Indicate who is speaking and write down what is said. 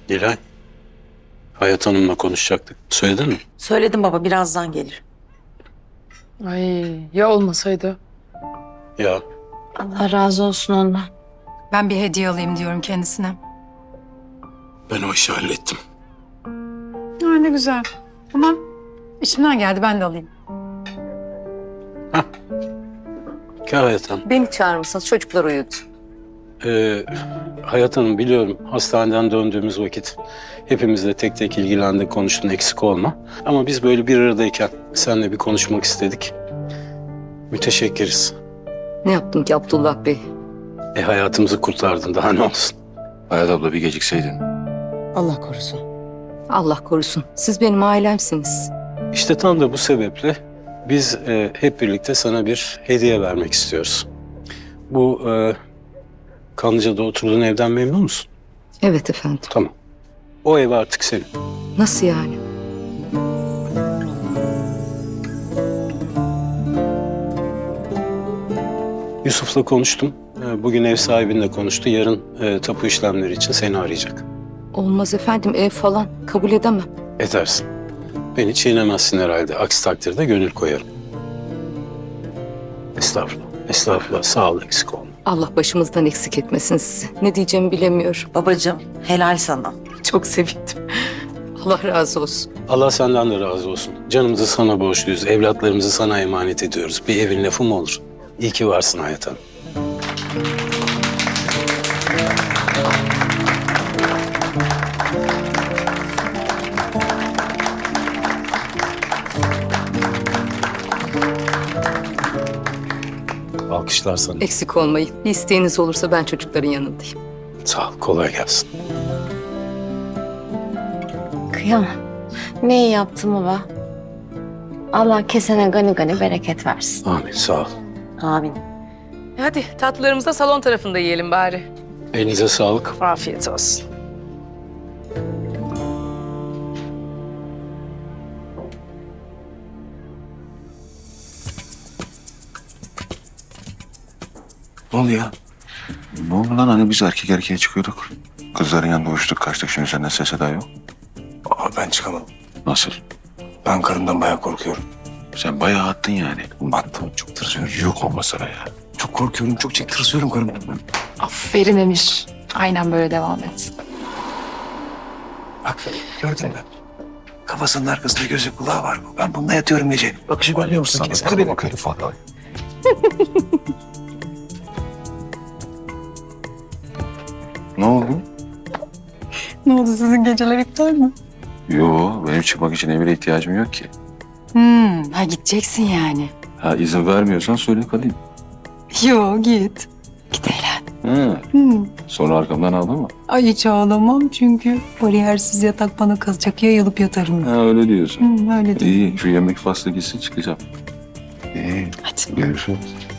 Speaker 1: Nilay, Hayat Hanım'la konuşacaktık. Söyledin mi?
Speaker 2: Söyledim baba, birazdan gelir.
Speaker 3: Ay ya olmasaydı?
Speaker 1: Ya
Speaker 2: Allah razı olsun ondan.
Speaker 4: Ben bir hediye alayım diyorum kendisine.
Speaker 1: ben o işi hallettim.
Speaker 4: Aa, ne güzel. Tamam. İçimden geldi, ben de alayım.
Speaker 1: Gel Hayat Hanım.
Speaker 5: Beni çağırmışsınız, çocuklar uyudu.
Speaker 1: Hayat Hanım, biliyorum hastaneden döndüğümüz vakit hepimizle tek tek ilgilendik, konuştun, eksik olma. Ama biz böyle bir aradayken seninle bir konuşmak istedik. Müteşekkiriz.
Speaker 5: Ne yaptım ki Abdullah Bey?
Speaker 1: Hayatımızı kurtardın, daha ne olsun.
Speaker 6: Hayat abla bir gecikseydin.
Speaker 2: Allah korusun.
Speaker 5: Allah korusun. Siz benim ailemsiniz.
Speaker 1: İşte tam da bu sebeple biz hep birlikte sana bir hediye vermek istiyoruz. Bu Kanlıca'da oturduğun evden memnun musun?
Speaker 5: Evet efendim.
Speaker 1: Tamam. O ev artık senin.
Speaker 5: Nasıl yani?
Speaker 1: Yusuf'la konuştum. Bugün ev sahibinle konuştu. Yarın tapu işlemleri için seni arayacak.
Speaker 5: Olmaz efendim, ev falan kabul edemem.
Speaker 1: Edersin. Beni çiğnemezsin herhalde. Aksi takdirde gönül koyarım. Estağfurullah. Estağfurullah. Sağ ol, eksik olma.
Speaker 5: Allah başımızdan eksik etmesin sizi. Ne diyeceğimi bilemiyorum.
Speaker 2: Babacığım, helal sana.
Speaker 5: Çok sevindim. Allah razı olsun.
Speaker 1: Allah senden de razı olsun. Canımızı sana borçluyuz. Evlatlarımızı sana emanet ediyoruz. Bir evin lafı mı olur? İyi ki varsın Hayat Hanım. Alkışlar sana.
Speaker 5: Eksik olmayın. Bir isteğiniz olursa ben çocukların yanındayım.
Speaker 1: Sağ ol. Kolay gelsin.
Speaker 7: Kıyamam. Ne iyi yaptın baba. Allah kesene gani gani bereket versin.
Speaker 1: Amin. Sağ ol.
Speaker 2: Amin.
Speaker 3: Hadi tatlılarımızı da salon tarafında yiyelim bari.
Speaker 1: Elinize sağlık.
Speaker 3: Afiyet olsun.
Speaker 6: Ne oluyor? Ne oldu lan, hani biz erkek erkeğe çıkıyorduk. Kızların yanında uçtuk kaçtık, şimdi senden ses eda yok.
Speaker 8: Aa, ben çıkamam.
Speaker 6: Nasıl?
Speaker 8: Ben karımdan bayağı korkuyorum.
Speaker 6: Sen bayağı attın yani.
Speaker 8: Attım, çok tırsıyorum.
Speaker 6: Yok olmasana ya.
Speaker 8: Çok korkuyorum, çok tırsıyorum karımdan ben.
Speaker 4: Aferin Emir. Aynen böyle devam et.
Speaker 8: Bak, gördün mü? Kafasının arkasında gözü kulağı var. Ben bununla yatıyorum gece. Bakışı görüyor musun? Keser beni.
Speaker 6: falan. Ne oldu?
Speaker 4: Ne oldu, sizin geceler iptal mi?
Speaker 6: Yo, benim çıkmak için emire ihtiyacım yok ki.
Speaker 4: Ha gideceksin yani.
Speaker 6: Ha, izin vermiyorsan söyle kalayım.
Speaker 4: Yo, git. Git eğlen.
Speaker 6: Hı. Sonra arkamdan ağlama.
Speaker 4: Ay hiç ağlamam çünkü bariyersiz yatak bana kalacak, yayılıp yatarım.
Speaker 6: Ha, öyle diyorsun.
Speaker 4: Öyle değil.
Speaker 6: İyi, şu yemek faslı gitsin, çıkacağım. İyi,
Speaker 4: Hadi.
Speaker 6: görüşürüz.